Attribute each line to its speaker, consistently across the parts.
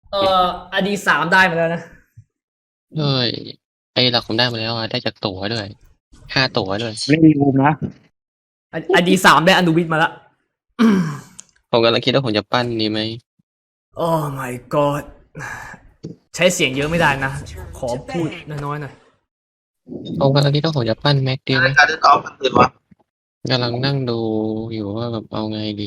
Speaker 1: เอ่อID3ได้มาแล้วนะ
Speaker 2: เฮ้ยไอ้หลักผมได้มาแล้วอ่ะได้จากตั๋วด้วย5 ตั๋วด้วย
Speaker 3: เล่นรูมนะ
Speaker 1: ID3ได้อนุวิทย์มาละ
Speaker 2: ผมกำลังคิดว่าผมจะปั้นดีไหม
Speaker 1: โอ้ my god ใช้เสียงเยอะไม่ได้นะ ขอพูดน้อยๆหน่อย
Speaker 2: ผมกำลังคิดว่าผมจะปั้นแม็กดีไหม
Speaker 4: การเดินออฟมันตื่นวะ
Speaker 2: กำลังนั่งดูอยู่ว่าแบบเอาไงดี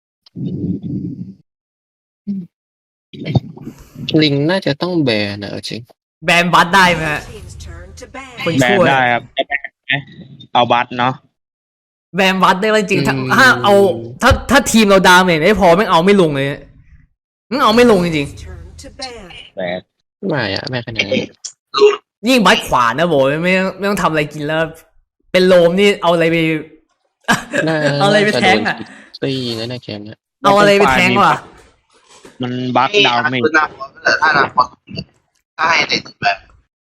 Speaker 2: ลิงน่าจะต้องแบนนะจริง
Speaker 1: แบนบัตได้ไหมฮะคน
Speaker 3: แบน
Speaker 1: ช่วย
Speaker 3: ได้ครับเอาบัตเนาะ
Speaker 1: แบนบัตได้จริงๆถ้าเอาถ้าทีมเราดาเมจไม่พอไม่เอาไม่ลงเลยไม่เอาไม่ลงจริง
Speaker 3: แบน
Speaker 2: ไม่อะไม่ขนาดนั้น
Speaker 1: ๆยิ่งบัตขวานนะโบไม่ต้องทำอะไรกินแล้ว เป็นโลมนี่เอาอะไรไป เอาอะไรไปแทงอ่ะ
Speaker 2: ตีนั่นนะแคมเนี่ย
Speaker 1: เอาอะไรไปแทงวะ
Speaker 3: มันบัคดาวเมจ
Speaker 4: คือหน้าฟอนต์ถ้าหน้าฟอนต์ถ้าให้ในตึกแบบ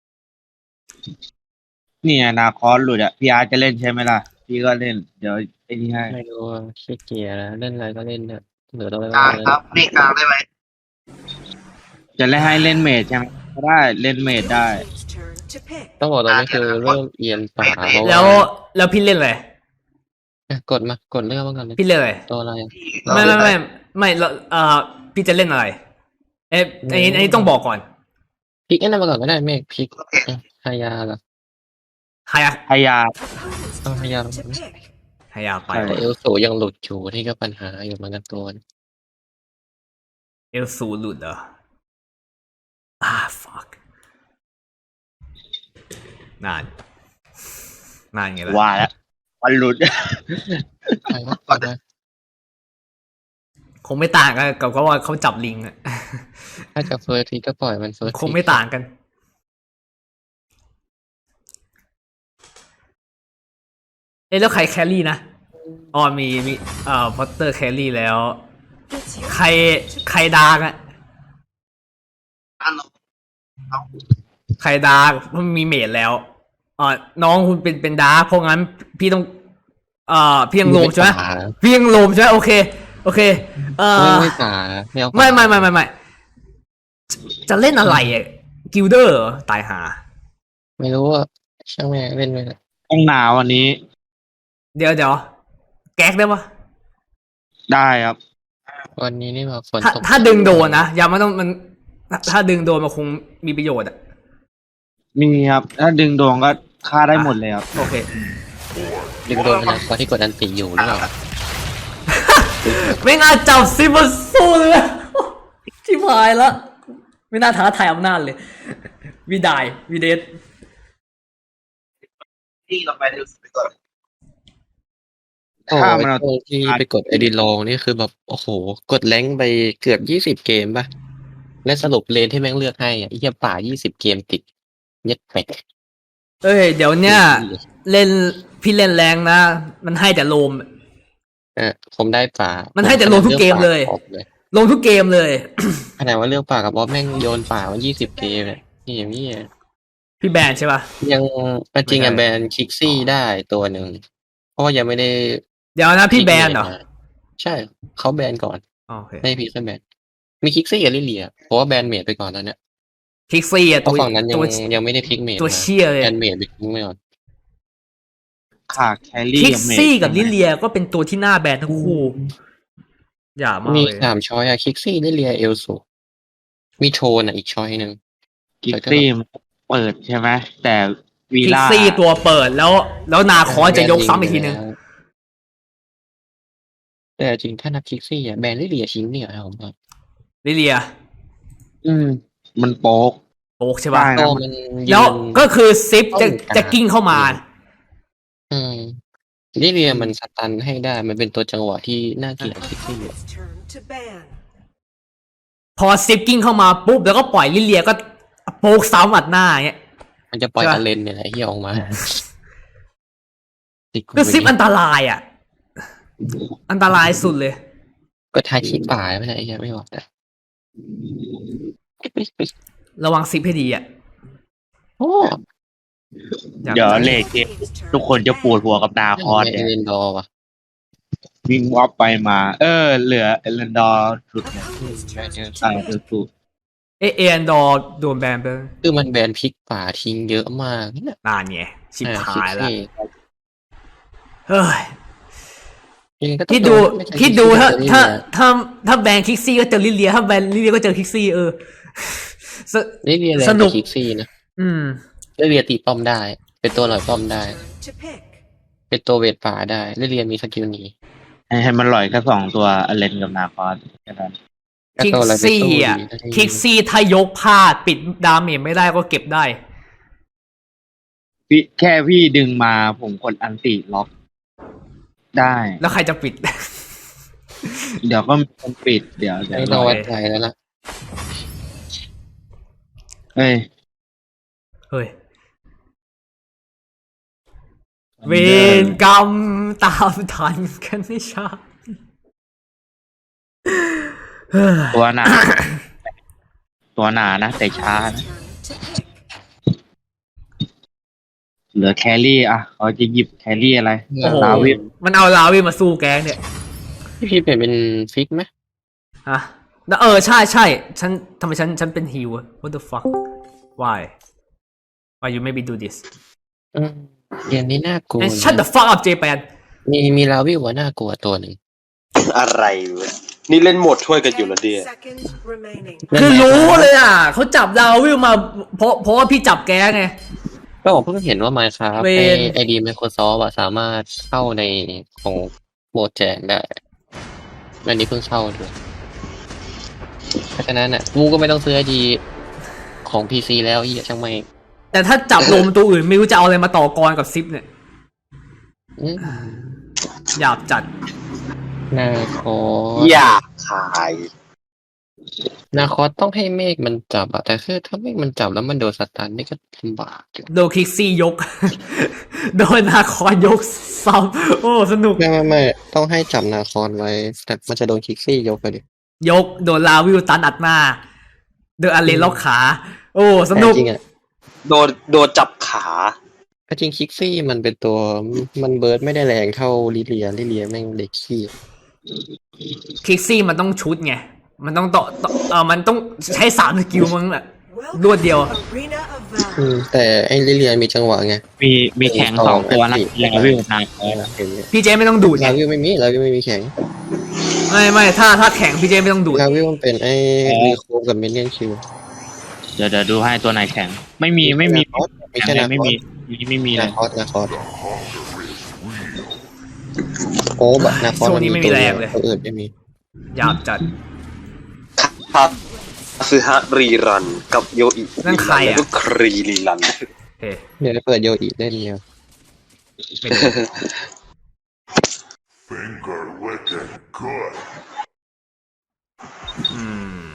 Speaker 3: เนี่ยนาคอสหลุดอ่ะพี่อาร์จะเล่นใช่ไหมล่ะพี่ก็เล่นเดี๋ยวไอ้นี่ให้
Speaker 2: ไม่รู้ว่าขี้เกียจแล้วเล่นอะไรก็เล่นเถอะเหลือตัวอะไร
Speaker 4: กลาง
Speaker 2: ก็เล่น
Speaker 4: ครับไม่กลางได้ไหม
Speaker 3: จะเล่นให้เล่นเมจใช่ไหมก็ได้เล่นเมจได้
Speaker 2: ต้องบอกตอนนี้คือเริ่มเอียนป่าเพราะ
Speaker 1: แล้ว
Speaker 2: ว่า
Speaker 1: แล้วพี่เล่นอะไร
Speaker 2: กดมากดเลือกมาก่อนเลย
Speaker 1: พี่เล่นอะไร
Speaker 2: ตัวอะไร
Speaker 1: ไม่เราพี่จะเล่นอะไรอันนี้ต้องบอกก่อน
Speaker 2: พลิกอันนั้นมาก่อนก็ได้เมฆพลิกฮายาเหรอ
Speaker 1: ฮายา
Speaker 3: พยายาม
Speaker 2: ฮายา
Speaker 1: ฮายาไป
Speaker 2: แต่เอลสูยังหลุดอยู่ที่ก็ปัญหาอยู่เหมือนกันตัว
Speaker 1: เอลซูหลุดเหรอfuck นานไงล่ะ
Speaker 3: ว่าแล้วมันหลุด
Speaker 2: ใครวะ
Speaker 1: คงไม่ต่างกันกับว่าเขาจับลิงอะ
Speaker 2: ถ้าจะเฟิร์สทีก็ปล่อยมันเฟิร์ส
Speaker 1: คงไม่ต่างกันแล้วใครแครี่นะอ๋อมีพอตเตอร์แครี่แล้ว ใครดาร์กอะใครดาร์กมันมีเมดแล้วน้องคุณเป็นดาร์กเพราะงั้นพี่ต้องพี่ยังโลมใช่ไหมพี่ยังโลมใช่ไหมโอเค
Speaker 2: ไม่ป่า
Speaker 1: ไม่จะเล่นอะไรอ่ะกิลเดอร์ตายหา
Speaker 2: ไม่รู้ว่าช่างแม่เล่นไปละ
Speaker 3: ต้องหนาววันนี้
Speaker 1: เดี๋ยวแก๊กได้ปะ
Speaker 3: ได้ครับ
Speaker 2: วันนี้นี่แบบฝนตก
Speaker 1: ถ้าดึงโดนนะอย่ามันต้องมันถ้าดึงโดนมันคงมีประโยชน์อ่ะ
Speaker 3: มีครับถ้าดึงดวงก็ฆ่าได้หมดเลยครับ
Speaker 1: โอเค
Speaker 2: ดึงโดนขนาดเพราะที่กดอันติอยู่หรือเปล่า
Speaker 1: ไม่น่าจับซิมาสู้เลยชิบหายแล้วไม่น่าท้าทายอำนาจเลยวีเดท
Speaker 4: ที่เราไปดูไปก่อน
Speaker 2: โอ้ยตรงที่ไปกดไอดีลองนี่คือแบบโอ้โหกดแรงไปเกือบ20 เกมป่ะและสรุปเลนที่แม่งเลือกให้อ่ะไอ้เหี้ยป่า20 เกมติดเย็ดแปะ
Speaker 1: เดี๋ยวเนี้ยเล่นพี่เล่นแรงนะมันให้แต่โลม
Speaker 2: ผมได้ป่า
Speaker 1: มันให้แต่ลงทุกเกมเลยลงทุกเกมเลย
Speaker 2: ขนาดว่าเลือกป่ากับบอสแม่งโยนป่ามา20 เกมเนี่ยนี่อย่างนี้
Speaker 1: พี่แบนใช่ป่ะ
Speaker 2: ยังจริงอ่ะแบนคิกซี่ได้ตัวหนึ่งเพราะว่ายังไม่ได้
Speaker 1: เดี๋ยวนะพี่แบนเหรอ
Speaker 2: ใช่เขาแบนก่อน
Speaker 1: โอเค
Speaker 2: ไม่พี่แค่แบนมีคิกซี่กับลิเลียเพราะว่าแบนเมดไปก่อนแล้วเนี่ย
Speaker 1: คิกซี่อ่ะ
Speaker 2: ตัวฝั่งนั้นยังไม่ได้พิกเมด
Speaker 1: ตัวเชี่ยเลย
Speaker 2: แบนเมดไปทิ้งไม่ก่อน
Speaker 3: ขาดแครี่
Speaker 1: คิกซี่กับลิเลียก็เป็นตัวที่น่าแบนทั้งคู่อย่ามากเลย
Speaker 2: มี3 ช้อยอะคิกซี่ลิเลียเอลสูมีโทนอีกช้อยหนึ่ง
Speaker 3: คิกซี่เปิดใช่ไหมแต่วี
Speaker 1: ล่าคิกซี่ตัวเปิดแล้วนาคอจะยกซ้ำอีกทีนึง
Speaker 2: แต่จริงถ้านับคิกซี่อะแบนลิเลียชิ้นเนี่ยครับผม
Speaker 1: ลิเลีย
Speaker 3: มันโป๊
Speaker 1: กใช่ป่ะแล้วก็คือซิปจะกิ้งเข้ามา
Speaker 2: ลิเลียมันสตันให้ได้มันเป็นตัวจังหวะที่น่าเกลียดคิกซี่
Speaker 1: พอซิปกิ้งเข้ามาปุ๊บแล้วก็ปล่อยลิเลียก็โป๊กซ้ำอัดหน้าเงี้ย
Speaker 2: มันจะปล่อยอเลนเนี่ยแหละที่ออกมา
Speaker 1: ก็ซิปอันตรายอ่ะอันตรายสุดเลย
Speaker 2: ก็ทายขี้ป่าไม่ได้ไม่บอกแต่
Speaker 1: ระวังซิปให้ดีอ่ะ
Speaker 3: เดี๋ยวเลขทุกคนจะปวดหัวกับนาคอส
Speaker 2: เนี่ยเล่นดอวะ
Speaker 3: วิ่งวอปไปมาเหลือเอเลนดอร์สุดเนี่ยสุด
Speaker 1: เอเอ็นดอร์โดนแบนไป
Speaker 2: คือมันแบนพลิกป่าทิ้งเยอะมากเนี่ย
Speaker 1: นานไงชิบหายแล้ว
Speaker 2: คิกซี่
Speaker 1: เฮ้ย
Speaker 2: ยังไงก็ต้อง
Speaker 1: คิดดู
Speaker 2: โนไม่ใช่
Speaker 1: คิดดู
Speaker 2: คิกซี่
Speaker 1: ถ้า
Speaker 2: กับ
Speaker 1: ถ้าแบนคิกซี่ก็เจอลิเลียถ้าแบนลิเลียก็เจอคิกซี่ส
Speaker 2: ลิเลียแรง
Speaker 1: สนุ
Speaker 2: กว่าก คิกซี่นะ
Speaker 1: อืม
Speaker 2: ลิเลียตีป้อมได้ เป็นตัวหลอยป้อมได้
Speaker 5: To pick.
Speaker 2: เป็นตัวเวทป่าได้ลิเลียมีสกิลหนี
Speaker 3: ให้มันหล่อยแค่2 ตัวอเลนกับนาคอสแค่นั้น
Speaker 1: คิก
Speaker 2: ตัวอะไรไป
Speaker 1: ซี่
Speaker 2: สู้
Speaker 1: อ่ะ
Speaker 2: ดีได้
Speaker 1: คิกซี่ถ้ายกพลาดปิดดาเมจไม่ได้ก็เก็บได้
Speaker 3: แค่พี่ดึงมาผมกดอันติล็อก ได้
Speaker 1: แล้วใครจะปิด
Speaker 3: เดี๋ยวก็มีคนปิดเดี๋ยว
Speaker 2: ไม่ต้องไว้ใจแล้วล่ะ
Speaker 3: เฮ้ย
Speaker 1: เฮ้ย เวรกรรมตามทันกันไม่ช้าเฮ้ย
Speaker 3: ตัวหนา ตัวหนานะแต่ช้านะ
Speaker 5: To pick.
Speaker 3: เหลือแครี่อ่ะเขาจะหยิบแครี่อะไร
Speaker 1: โอ้โห
Speaker 3: ลาวิน
Speaker 1: มันเอาลาวินมาสู้แก๊งเนี่ย
Speaker 2: พี่เปลี่ยนเป็นฟิกไหม
Speaker 1: ฮะแล้วใช่ใช่ฉันทำไมฉันเป็นฮิวอะ what the fuck why you maybe do this
Speaker 2: เกมนี้น่ากลัว
Speaker 1: and shut the fuck up Japan
Speaker 2: มีลาวิวว่าน่ากลัวตัวหนึ่ง
Speaker 6: อะไรวะนี่เล่นโหมดช่วยกันอยู่แล้วเดีย
Speaker 5: Seconds remaining.
Speaker 1: คือรู้เลยอ่ะเขาจับลาวินมาเพราะว่าพี่จับแก๊งไง
Speaker 2: ก็ผมเพิ่งเห็นว่า Minecraft
Speaker 1: เวร
Speaker 2: ไอดี Microsoft สามารถเข้าในของโหมดแจกได้อันนี้เพิ่งเข้าด้วยเพราะฉะนั้นกูก็ไม่ต้องซื้อไอดีของ PC แล้วอีกช่างไม่
Speaker 1: แต่ถ้าจับลมตัวอื่นไม่รู้จะเอาอะไรมาต่อกรกับซิปเนี่ย
Speaker 2: อืม
Speaker 1: หยาบจัด
Speaker 2: นาคอ
Speaker 6: อยากขาย
Speaker 2: นาคอต้องให้เมฆมันจับอะแต่คือถ้าเมฆมันจับแล้วมันโดนสตันนี่ก็ลำบากอยู่
Speaker 1: โดนคิกซี่ยก โดนนาคอนยกซ้ำโอ้สนุก
Speaker 2: ไม่ต้องให้จับนาคอนไว้แต่มันจะโดนคิกซี่ยกไปดิ
Speaker 1: ยกโดนลาวิวตันอัดหน้าโดนอาเลนล็อกขา โอ้สนุก
Speaker 2: แต่จริงอะ
Speaker 6: โดนจับขา
Speaker 2: จริงคิกซี่มันเป็นตัวมันเบิร์ดไม่ได้แรงเท่าลิเลียแม่งเด็กขี้
Speaker 1: คิกซี่มันต้องชุดไง มันต้องต่อมันต้องใช้3 สกิลมั้งแหละ รวดเดียว
Speaker 5: Arena of Valor.
Speaker 2: แต่ไอ้ลิเลียมีจังหวะไง
Speaker 3: มีแข่ง2 ตัวนะลาวินนาคอส
Speaker 2: เห็นไหม
Speaker 1: พี่เจไม่ต้องดูดไง
Speaker 2: ลาวิวไม่มีแข็ง
Speaker 1: ไม่ถ้าแข่งพี่เจไม่ต้องดูด
Speaker 2: ลาวิวมันเป็นไอ้รีโคฟกับมินเลียนคิว
Speaker 3: เดี๋ยวดูให้ตัวไหนแข่ง ไม่มี
Speaker 2: ไม่ใช่นา
Speaker 3: ไม่
Speaker 2: คอ
Speaker 3: มี
Speaker 2: ส
Speaker 3: ไม่มีเล
Speaker 2: นาย คอสโอ้บะนาคอส
Speaker 1: ช่วงนี้ไม่มีแรงเลย
Speaker 2: ตัวอื่นไม่มี
Speaker 1: หยาบจัด
Speaker 6: ครับซื้อฮะรีรันกับโยอิ
Speaker 1: นั่นใครอะ
Speaker 6: แล้วก็ครีรีรัน
Speaker 1: เฮ้
Speaker 2: เดี๋ยวเปิดโยอีเล่นเนี่ย
Speaker 1: ไม่ดู
Speaker 7: Finger licking good.
Speaker 1: อืม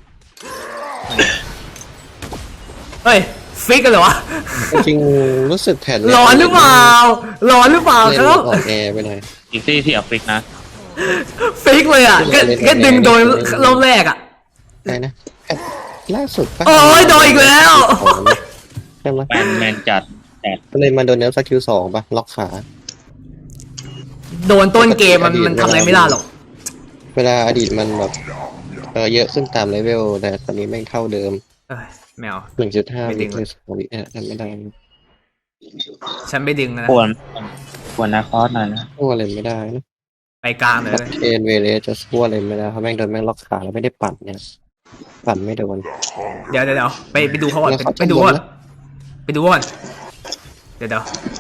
Speaker 1: เฮ้ยฟิกกันเหรอวะ
Speaker 2: จริงๆรู้สึกแผ่น
Speaker 1: ร้อนหรือเปล่าร้อนหรือเปล่า
Speaker 2: เล่
Speaker 1: คน รับ
Speaker 2: อ่อนแอไปหน่อย
Speaker 3: อีกซี่ที่เอาฟิกนะ
Speaker 1: ฟิกเลยอ่ะก็ดึงโดยรอบแรกอ่ะ
Speaker 2: ได้นะแผ่นล่าสุดปะ
Speaker 1: โอ้ยโดนอีกแล้ว
Speaker 2: ใช่ไหม
Speaker 3: แมนจัด
Speaker 2: เลยมันโดนเนลสกิล2ปะล็อกขา
Speaker 1: โดนต้นเกมมันทำอะไรไม่ได้หรอก
Speaker 2: เวลาอดีตมันแบบเยอะขึ้นตามเลเวลแต่ตอนนี้แม่งเท่าเดิม
Speaker 1: เอ้ยแมว
Speaker 2: 1.5
Speaker 1: ไม่ดึ
Speaker 2: วิ
Speaker 1: ง
Speaker 2: เลย2วิทำไม่ได้
Speaker 1: ฉันไม่ดึงนะ
Speaker 3: ควรนาคอสหน่อยนะ
Speaker 2: สู้อะไรไม่ได้นะ
Speaker 1: ไปกลางเลย
Speaker 2: เคนเวเลสจะสู้อะไรไม่ได้เพราะแม่งโดนแม่งล็อกขาแล้วไม่ได้ปั่นเนี่ยปั่นไม่โดน
Speaker 1: เดี๋ยวไปดูเขาก่อน
Speaker 2: แล้วเขา
Speaker 1: ไปดูก่อน
Speaker 2: จะบ่นนะ
Speaker 1: ไปดูก่อนเดี๋ยว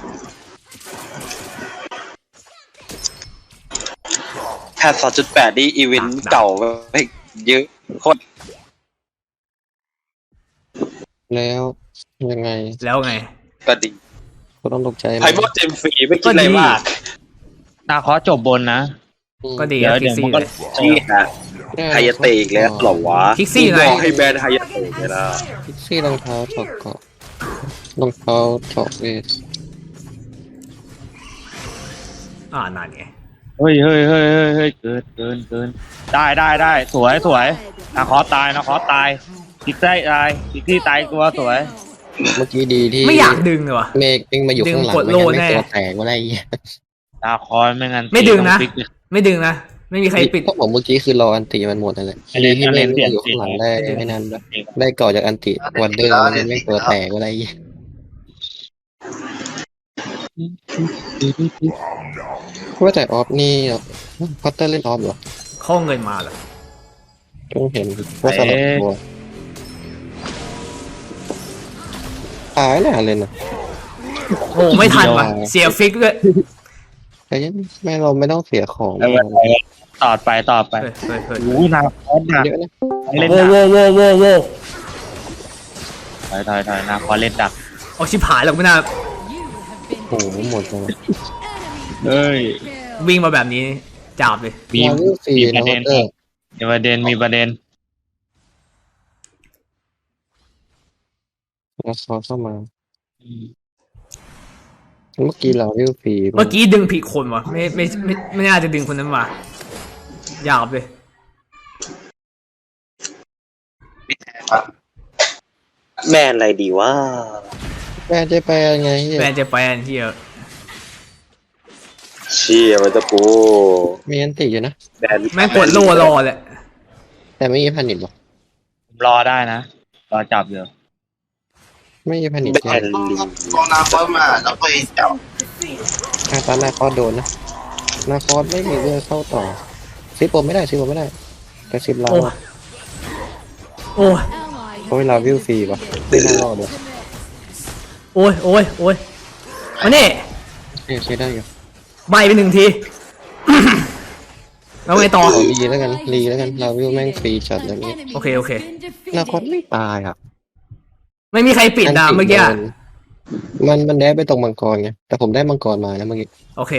Speaker 6: แพท 2.8 นี่อีเวนต์เก่าไปเยอะโคตร
Speaker 2: แล้วยังไง
Speaker 1: แล้วไง
Speaker 6: ก็ดี
Speaker 2: ก็ต้องตกใจ
Speaker 6: ไพโมเจมฟรีไม่คิดอะไรมาก
Speaker 3: นาคอสจบบนนะ
Speaker 1: ก็ดี
Speaker 3: เดี๋ยว
Speaker 1: คิกซี่
Speaker 3: มันก็
Speaker 1: เลย
Speaker 6: ชี้ฮะไฮยาเตะอีกแล้วเหรอวะ
Speaker 1: คิกซี่ไง
Speaker 6: บอกให้แบนไฮยาเตะไงล่ะ
Speaker 2: พิกซี่รองเท้าเจาะเกาะรองเท้าเจาะเวท
Speaker 1: นั่นไง
Speaker 3: เฮ้ยเกินได้สวยนาคอสตายอีกที่ตายตัวสวย
Speaker 2: เมื่อกี้ดีที่
Speaker 1: ไม่อยากดึงเลยวะ
Speaker 2: เมฆเองมาอยู่ข้างหลัง
Speaker 1: ดึงกด
Speaker 2: ไม่
Speaker 1: โล่
Speaker 2: งั้นไม่
Speaker 1: แน่
Speaker 2: ตัวแตกว่าไรเงี้ย
Speaker 3: นาคอสไม่งั้น
Speaker 1: ไม่ดึงนะ
Speaker 3: ฟิกเลย
Speaker 1: ไม่ดึงนะไม่มีใครปิด
Speaker 2: ก็บอกเมื่อกี้คือรออันติมันหมดนั่นแหละ
Speaker 3: อันนี้
Speaker 2: ที่
Speaker 3: อัน
Speaker 2: ไม่
Speaker 3: นี้เปลี่ยน
Speaker 2: อยู่ข้างหลังได้ไม่นานแบบได้ก่อจากอันติวันเดอร์มันไม่ตัวแตกอะไรอย่างเงี้ยว่าแต่ออฟนี่พัตเตอร์เล่นออฟเหรอ
Speaker 1: ข้อเงินมาเหรอ
Speaker 2: เพิ่งเห็นว่าสลับตัวตายแล้วเล่นอ่ะ
Speaker 1: โอ้ไม่ทันว่ะเสียฟิกด้วย
Speaker 2: แต่ยังไม่เราไม่ต้องเสียของ
Speaker 3: ต่อไปต่อไป
Speaker 1: เฮ้ย
Speaker 3: โอ้ยนาคอสดัก
Speaker 2: เยอะนะ
Speaker 3: เล่น
Speaker 1: โว้
Speaker 3: ดัก
Speaker 1: โว้โว้โว้โว้
Speaker 3: ถอยนาคอสเล่นดัก
Speaker 1: เอาชิบหายแล้วไม่น่า
Speaker 2: โอ้โหหมดเลย
Speaker 3: เฮ้ย
Speaker 1: วิ่งมาแบบนี้จับเลย
Speaker 3: มี
Speaker 2: วาวิวฟรี
Speaker 3: มีป
Speaker 2: นะ
Speaker 3: ระเด็
Speaker 2: พัตเตอร์
Speaker 3: มีประเด็นมีประเด็น
Speaker 2: แล้วซอเข้ามาเมื่อกี้เราวิวฟรี
Speaker 1: เมื่อกี้ดึงผิดคนวะไม่น่าจะดึงคนนั้นมาหยาบเลย
Speaker 6: แม่อะไรดีวะ
Speaker 2: แม่จะไปยังไงเหี้ย
Speaker 1: แฟนจะไปอันที่
Speaker 6: เชี่ยมันจะกู
Speaker 2: มีอันติอยู่นะ
Speaker 6: แบน
Speaker 1: แม่งกดโล่รอแหละ
Speaker 2: แต่ไม่มีพันิดหรอก
Speaker 3: ผมรอได้นะรอจับอยู่
Speaker 2: ไม่มีพันิด
Speaker 6: แบ
Speaker 2: ใช่
Speaker 6: นลิง
Speaker 4: กองน้ำเพิ่มมาแล้วไปจับ
Speaker 2: ตอนหน้าคอสโดนนะหน้าคอสไม่มีเรื่องเข้าต่อซิปผมไม่ได้แต่ซิปเรา
Speaker 1: โอ้ย
Speaker 2: เพราะเวลาวิวฟรีป่ะไม่น่ารอดเลย
Speaker 1: โอ้ยมานี่
Speaker 2: ใช้ได้อยู่
Speaker 1: ใบไปหนึ่งที แล้วไงต่อ
Speaker 2: ขอรีแล้วกันเราวิวแม่งฟรีจัดอย่างนี้
Speaker 1: โอเค
Speaker 2: หน้าคอสไม่ตายอ่ะ
Speaker 1: ไม่มีใครปิดนะเมื่อกี้
Speaker 2: มันแดดไปตรงมังกรไงแต่ผมได้มังกรมานะเมื่อกี้
Speaker 1: โอเค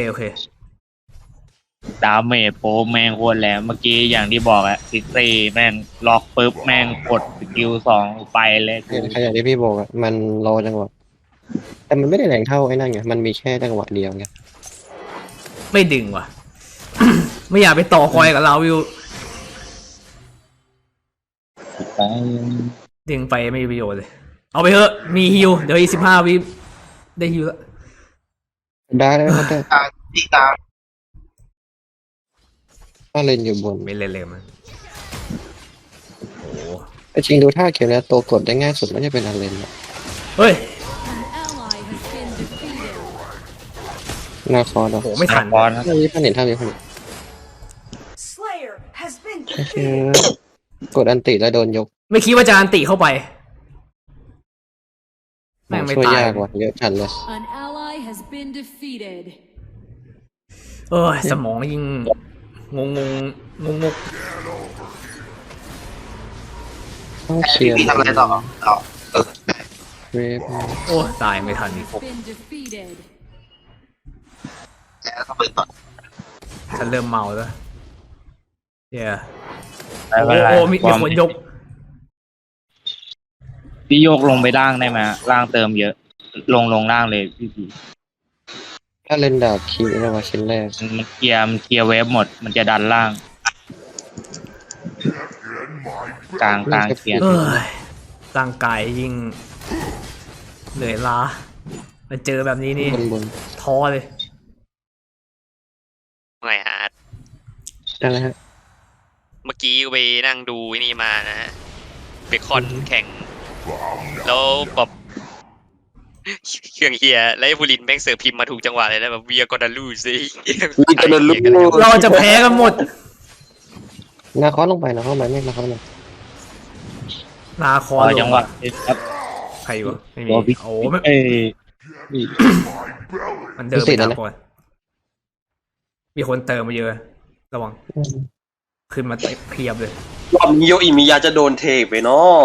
Speaker 3: ดาเมจโปรแม่งโคตรแหลมเมื่อกี้อย่างที่บอกอะซิตี้แม่งล็อกปุ๊บแม่งกดสกิล2ไปเลย
Speaker 2: เนี่ยขยันที่พี่บอกอ่ะมันรอจังหวะแต่มันไม่ได้แรงเท่าไอ้นั่นไงมันมีแค่จังหวะเดียวไง
Speaker 1: ไม่ดึงว่ะ ไม่อยากไปต่อคอยกับเราวิว
Speaker 3: ไป
Speaker 1: ดึงไปไม่มีประโยชน์เลย เอาไปเถอะมีฮิวเดี๋ยวอีก15 วิได้ฮิวแล้ว
Speaker 2: ได้ไหมครับแต่
Speaker 4: ทางที่กลาง
Speaker 2: ถ้าเล่นอยู่บน
Speaker 1: ไม่เล่นเลยมันโอ้โห
Speaker 2: แต่จริงดูท่าเขียวแล้วตัวกดได้ง่ายสุดไม่ใช่เป็นอันเลนหรอก
Speaker 1: เฮ้ย
Speaker 2: หน้าคอร์ด
Speaker 1: โอ้โหไม่ทัน
Speaker 3: บอลนะ
Speaker 2: ถ้ามีพันเห็นถ้ามีพัน
Speaker 5: Slayer has been
Speaker 2: เชื่
Speaker 5: defeated.
Speaker 2: อกดอันติแล้วโดนยก
Speaker 1: ไม่คิดว่าจะอันติเข้าไปแม่งไม่
Speaker 2: ช่วย
Speaker 1: ตาย
Speaker 2: ยากว่ะเยอะจัดเลย
Speaker 8: An ally has been defeated.
Speaker 1: สมองยิ่งงง
Speaker 2: ต้องเคลียร์
Speaker 4: พี่ทำอะไรต่อต่อ
Speaker 2: เวฟ
Speaker 1: โอ้ตายไม่ทันอีก
Speaker 8: Been defeated.
Speaker 4: แล้วทำไมต่อ
Speaker 1: ฉันเริ่มเมาแล้วเดี๋ยว
Speaker 3: ไม่เป็นไร
Speaker 1: โอ้มีคนยก
Speaker 3: พี่โยกลงไปล่างได้ไหมล่างเติมเยอะ ลงล่างเลยพี่
Speaker 2: ถ้าเล่นดาบคิวเรียกว่าชิ้นแรก
Speaker 3: มันเคลียร์เวฟหมด มันจะดันล่าง กลางเคลียร์
Speaker 1: เอ้ยร่างกายยิ่งเหนื่อยล้ามาเจอแบบนี้นี่
Speaker 2: บน
Speaker 1: ท้อเลย
Speaker 9: ไงฮะ
Speaker 2: อะไรฮะ
Speaker 9: เมื่อกี้ไปนั่งดูไอ้นี่มานะฮะเบคอนแข่ง แล้วแบบเครื่องเฮียแล้วไอ้บุรินทร์แม่งเสิร์ฟพิมพ์มาถูกจังหวะเลยนะแบบเวียกอนาลูซิ
Speaker 1: เราจะแพ้กันหมด
Speaker 2: หน้าคอร์ดลงไปนะเข้าไปไม่หน้าคอร์ดลง
Speaker 1: นาคอ
Speaker 3: รอ
Speaker 1: ล
Speaker 3: จั
Speaker 1: ง
Speaker 3: งหวะครับ
Speaker 1: ใครวะไม่มี
Speaker 3: รอพี่
Speaker 1: โอ้ไม่
Speaker 3: เอ้ย
Speaker 1: มันเดินไปทางก่อนมีคนเติมมาเยอะระวังขึ้นมาเพียบเลย
Speaker 6: รอบนี้โยอิมิยาจะโดนเทไปเนาะ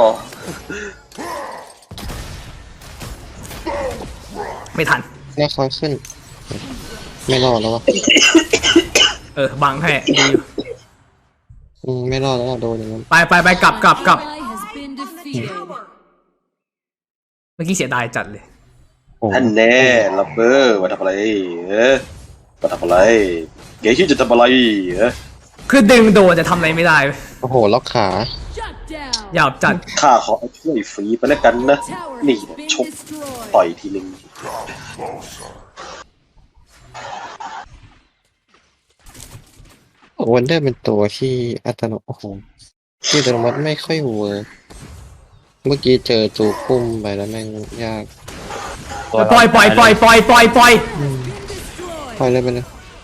Speaker 1: ไม่ทัน
Speaker 2: หน้าคอร์ดขึ้น ไม่รอดแล้ววะ
Speaker 1: บังให้ดีอยู่
Speaker 2: ไม่รอดแล้วโดนอย่างนั้น
Speaker 1: ไปกลับ
Speaker 8: Ally has been defeated.
Speaker 1: เมื่อกี้เสียดายจัดเลย
Speaker 2: โอ้
Speaker 6: ท่านแน่ลับเบอร์มาทำอะไรมาทำอะไรเก๋ชื่อจะทำอะไร
Speaker 1: คือดึงโดนจะทำอะไรไม่ได้
Speaker 2: โอ้โหล็อกขา
Speaker 8: Shut down.
Speaker 1: หยาบจัด
Speaker 6: ข้าขอช่วยฟรีไปแล้วกันนะ
Speaker 8: Tower
Speaker 6: นี่
Speaker 8: has been
Speaker 6: ชก
Speaker 8: destroyed.
Speaker 6: ต่อยทีนึง
Speaker 2: โวันเดอร์เป็นตัวที่อัตโนโอ้โหที่อัตโนมัติไม่ค่อยเวิร์กเมื่อกี้เจอจูพุ่มไปแล้วแม่งยาก
Speaker 1: ปล่อย
Speaker 2: อืมปล่อยเลยไปเลย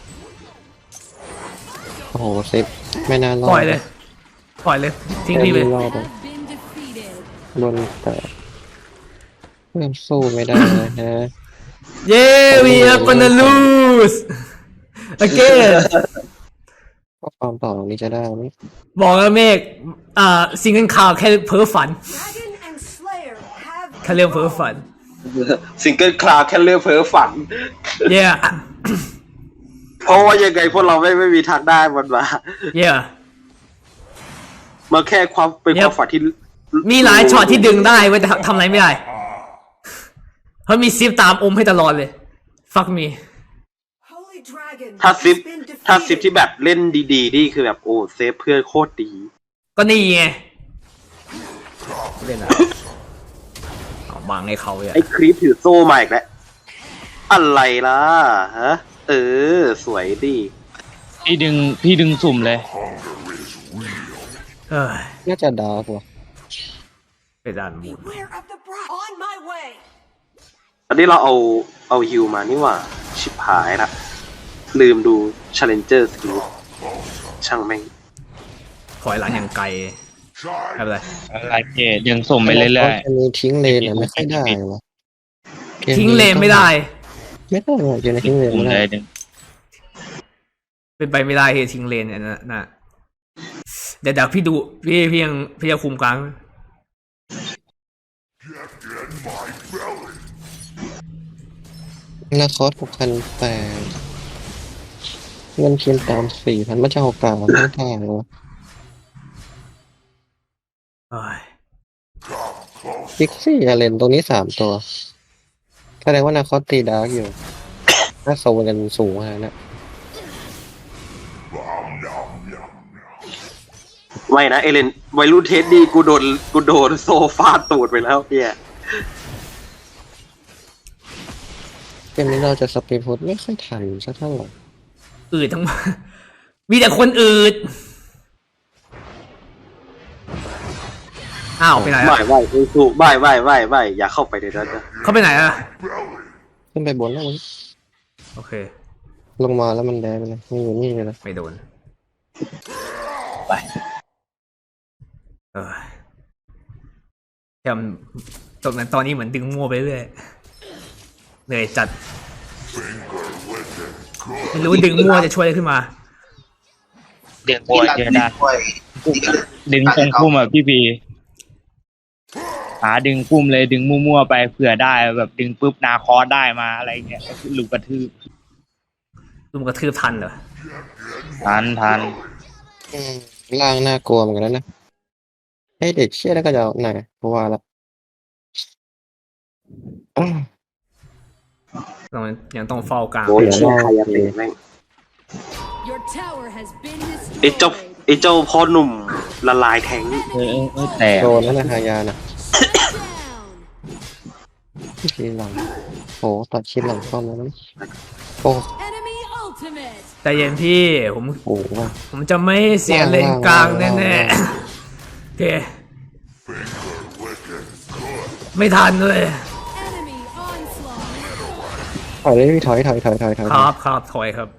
Speaker 2: โอ้โหเซฟไม่น่ารอด
Speaker 1: ปล่อยเลยทิ้งพี่ไป
Speaker 2: ไม่รอด
Speaker 8: Has been defeated.
Speaker 2: โดนแต่เริ่มสู้ไม่ได้นะฮะ
Speaker 1: เย้ we are gonna lose again
Speaker 2: ก็ความต่อตรงนี้จะได้ไหม
Speaker 1: บอกแล้วเมฆซิงเกิลข่าวแค่เพ้อฝัน
Speaker 5: Dragon and Slayer have
Speaker 1: แค่เรื่องเพ้อฝัน
Speaker 6: ซิงเกิลคลาวแค่เรื่องเพ้อฝัน
Speaker 1: yeah
Speaker 6: เพราะว่ายังไงพวกเราไม่มีทางได้มันมา
Speaker 1: yeah
Speaker 6: มาแค่ความเป็นความฝันที่
Speaker 1: มีหลายช็อตที่ดึงได้เว้ยแต่ทำอะไรไม่ได้เพราะมีซิฟตามอมให้ตลอดเลย fuck me
Speaker 5: Holy Dragon
Speaker 6: ถ้าซิป
Speaker 5: has been
Speaker 6: ถ้าซิป
Speaker 5: defeated.
Speaker 6: ที่แบบเล่นดีๆนี่คือแบบโอ้เซฟเพื่อนโคตรดี
Speaker 1: ก็นี่ไงเล่นอะไรเอาบังให้เขาอ่ะ
Speaker 6: ไอ้ครีปถือโซ่มาอีกแล้วอะไรล่ะฮะสวยดี
Speaker 3: พี่ดึงสุ่มเลย
Speaker 1: เออ
Speaker 2: น่าจะดาร์กว่ะ
Speaker 1: ไปด้านมูน
Speaker 5: Beware of the bride. On my way.
Speaker 6: อันนี้เราเอาฮิวมานี่หว่าชิบหายละลืมดู Challenger Skill ช่างแม่ง
Speaker 1: ถอยหลังอย่างไกลไม่เป็นไร
Speaker 3: อะไรเกตยังสุ่มไปเรื่อย
Speaker 2: อันนี้ทิ้งเลนไม่ค่อยได้วะ
Speaker 1: ทิ้งเลนไม่ได้
Speaker 2: ไม่ได้ว่ะเกมนี้ทิ้งเลน
Speaker 3: ๆสุ่ม
Speaker 2: ไม่
Speaker 3: เล
Speaker 2: ได้
Speaker 3: ยดึง
Speaker 1: เป็นไปไม่ได้ที่จะทิ้งเลนเนี่ยนะเดี๋ยวพี่ดูพี่ยังคุมกลาง
Speaker 2: นาคอส6,800เงินเพียงตาม4,000มันจะเอากลางไม่ได้เลยวะ
Speaker 1: เอ้ย
Speaker 2: พิกซี่อาเลนตรงนี้3 ตัวแสดงว่านาคอสตีดาร์กอยู่ถ้าโซนกันสูงขนาดนั้น
Speaker 6: ไม่นะเอเลนวัยรุ่นเทสดีกูโดนโซฟาตูดไปแล้วเนี่ย
Speaker 2: เกมนี้เราจะสปีดฟุตไม่ค่อยทันสักเท่าไหร่
Speaker 1: อืดทั้งหมด มีแต่คนอืดอ้าวไปไหน
Speaker 6: ไม่
Speaker 1: อะ
Speaker 6: ไม่สู้ไม่อย่าเข้าไปในนั้นนะ
Speaker 1: เขาไปไหนอะ
Speaker 2: ขึ้นไปบนแล้วมัน
Speaker 1: โอเค
Speaker 2: ลงมาแล้วมันแดงไปเลยมันอยู่นี่เลยนะ
Speaker 1: ไม่โดน
Speaker 3: ไป
Speaker 1: จำตรงนั้นตอนนี้เหมือนดึงมั่วไปเรื่อยเหนื่อยจัดไม่รู้ดึงมั่วจะช่วยอะไรขึ้นมา
Speaker 3: ดึงโวยเยอะได้
Speaker 4: ด้วย
Speaker 3: ดึงตรงพุ่มอ่ะพี่พีหาดึงพุ่มเลยดึงมั่วๆไปเผื่อได้แบบดึงปุ๊บนาคอสได้มาอะไรเงี้ยหลุดกระทืบ
Speaker 1: ลุมกระทืบทันเหรอ
Speaker 3: ทัน
Speaker 2: ล่างน่ากลัวเหมือนกันนะให้เด็กเชี่ยแล้วก็จะเอาไหนเพราะว่าละ
Speaker 1: ยังต้องเฝ้ากลาง
Speaker 6: โอ้ยเชี่ยใครจะเตะแม่ง
Speaker 8: Your tower has been
Speaker 6: ไอ้เจ้า
Speaker 8: destroyed.
Speaker 6: ไอ้เจ้าพ่อหนุ่มละลายแทงค์
Speaker 3: แต่
Speaker 2: โดนนั่นนะฮายานะ
Speaker 8: Down.
Speaker 2: ทีหลังโอ้ตัดชิ้นหลังเข้ามาแล้วโอ้
Speaker 8: Enemy ultimate.
Speaker 1: แต่เย็นพี่ผม
Speaker 2: โหว่ะ
Speaker 1: ผมจะไม่เสียเลนกลางแน่ๆโอเคไม่ทันเลย
Speaker 8: Enemy onslaught.
Speaker 2: ถอยเลยถอย
Speaker 1: ครับถอยครับ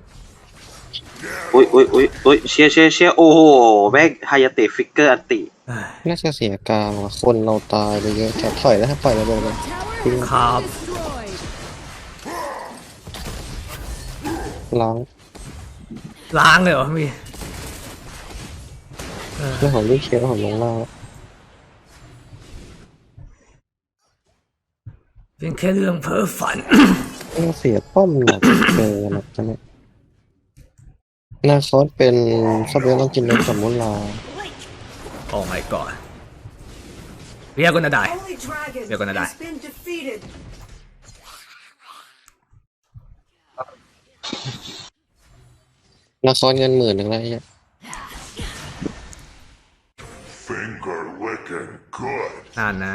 Speaker 6: อุ้ยเชียร์โอ้โหแม่งไฮยาเตะฟิกเกอร์อันติ
Speaker 2: น่าจะเสียกลางว่ะคนเราตายไปเยอะจะถอยแล้วถ้าปล่อยระเบิดเลย
Speaker 8: Tower has
Speaker 1: ครับ
Speaker 8: been destroyed.
Speaker 2: ล้าง
Speaker 1: ล้างเลยเหรอพี่
Speaker 2: เรื่องของลูกเชียร์ของลงล่าง
Speaker 1: เป็นแค่เรื่องเพ้อฝัน
Speaker 2: ต้องเสียป้อมหนักเกินนะจ๊ะเนี่ยนาคอสเป็นซับเวลต้องกินเนื้อสมุนลา
Speaker 1: โอ้ my god เรียกกันนะได้
Speaker 5: Holy Dragon
Speaker 1: You're gonna die.
Speaker 5: has been defeated.
Speaker 2: นาคอสเงิน10,000แล้วไอ้เหี้ย
Speaker 7: Finger licking good.
Speaker 1: นั่นนะ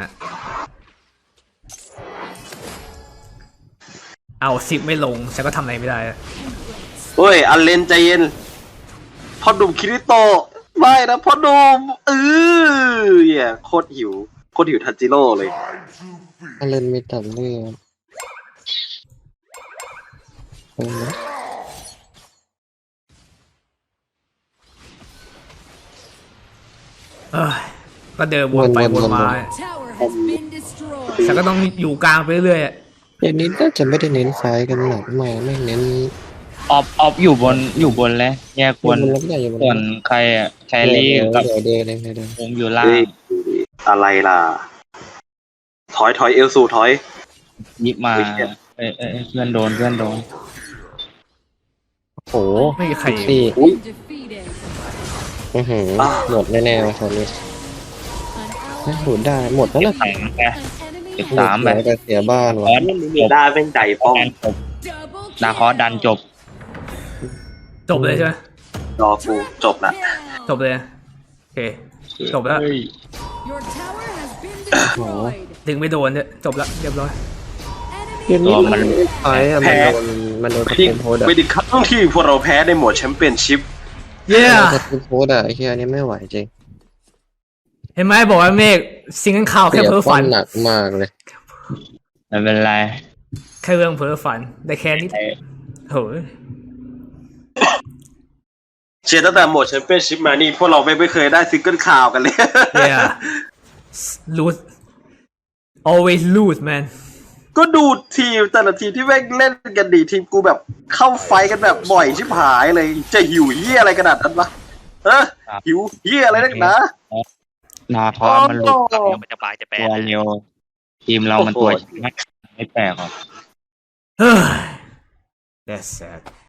Speaker 1: เอา10ไม่ลงฉันก็ทำอะไรไม่ได้อะ
Speaker 6: เฮ้ยอันเลนใจเย็นพ่อหนุ่มคิริโตะไม่นะพ่อหนุ่มเหี้ยโคตรหิวทันจิโร่เลย
Speaker 2: ถ้าเล่นไม่ตัดเลือดเออ
Speaker 1: เอ้ยก็เดินวนไปวนมา
Speaker 8: Tower has been destroyed.
Speaker 1: แต่ก็ต้องอยู่กลางไปเรื่อยๆอะ
Speaker 2: เดี๋ยวนี้น่าจะไม่ได้เน้นไฟท์กันหนักมากไม่เน้น
Speaker 3: ออฟอยู่บนเลยแยกบน
Speaker 2: มันแล้วใหญ่อยู่
Speaker 3: ส่วนใครอ่ะแครี่กับ
Speaker 2: เดี๋ยวเดี๋ยว
Speaker 3: ผมอยู่ล่าง
Speaker 6: เฮ้ยอะไรล่ะ ถอยเอลซูถอย
Speaker 3: ยิบมา
Speaker 6: เฮ้ยเหี้ย
Speaker 3: เพื่อนโดน
Speaker 2: โอ้โห
Speaker 1: ไม่มีใคร
Speaker 2: สี่
Speaker 8: Been defeated.
Speaker 2: หมดแน่ๆว่ะตอนนี้
Speaker 8: An
Speaker 2: หลุดได้หมดแล้วนะ
Speaker 3: แข่งแก
Speaker 8: An enemy
Speaker 3: สามแบบ
Speaker 2: แต่เสียบ้าน
Speaker 3: ค
Speaker 2: ว่ะ
Speaker 3: อร์ส
Speaker 6: มีด้าเป็นใจป้อง
Speaker 3: ดันจบ
Speaker 8: double
Speaker 3: นาคอร์สดันจบ
Speaker 1: จบเลยใช่ไหม
Speaker 6: รอกูจบละ
Speaker 1: จบเลยโอเคจบแล้ว
Speaker 8: Your tower has been destroyed.
Speaker 1: ถึงไม่โดนเนี่ยจบแล้วเรียบร้อย
Speaker 2: เดี๋ยว
Speaker 8: Enemy
Speaker 2: นี้มันไฟท์อะมันโดนส
Speaker 6: ที่
Speaker 2: กิลโพสอะ
Speaker 6: ไม่ได้ครั้งที่พวกเราแพ้ในโหมดแชมเปี้ยนชิพ
Speaker 1: เย้
Speaker 2: สกิลโพสอะไอ้เฮียนี่ไม่ไหวจริง
Speaker 1: เห็นไหมบอกว่าเมฆซิงเกิลข่าวแค่
Speaker 2: เสีย
Speaker 1: เพ้อ
Speaker 2: ป้อ
Speaker 1: ฝั
Speaker 2: น
Speaker 1: น
Speaker 2: หนักมากเลย
Speaker 3: ไม่เป็นไร
Speaker 1: แค่เรื่องเพ้อฝันได้แค่นี้โหย
Speaker 6: เชียร์ตั้งแต่โหมดแชมเปี้ยนชิพมานี่พวกเราไม่เคยได้ซิงเกิลข่าวกันเลย
Speaker 1: เย้ lose always lose man
Speaker 6: ก็ดูทีมแต่ละทีมที่แม่งเล่นกันดีทีมกูแบบเข้าไฟกันแบบบ่อยชิบหายเลย จะหิวเยี่ยอะไรขนาดนั้นวะหิวเยี่ยอะไรนักหนา
Speaker 3: นาคอร์สมันหลุด
Speaker 6: โอ้
Speaker 9: เดี๋ยวมันจะปลายจะแปล
Speaker 3: ตัวเร็วทีมเรามันตัวไม่แปลกหรอก
Speaker 1: เฮ้ย that's sad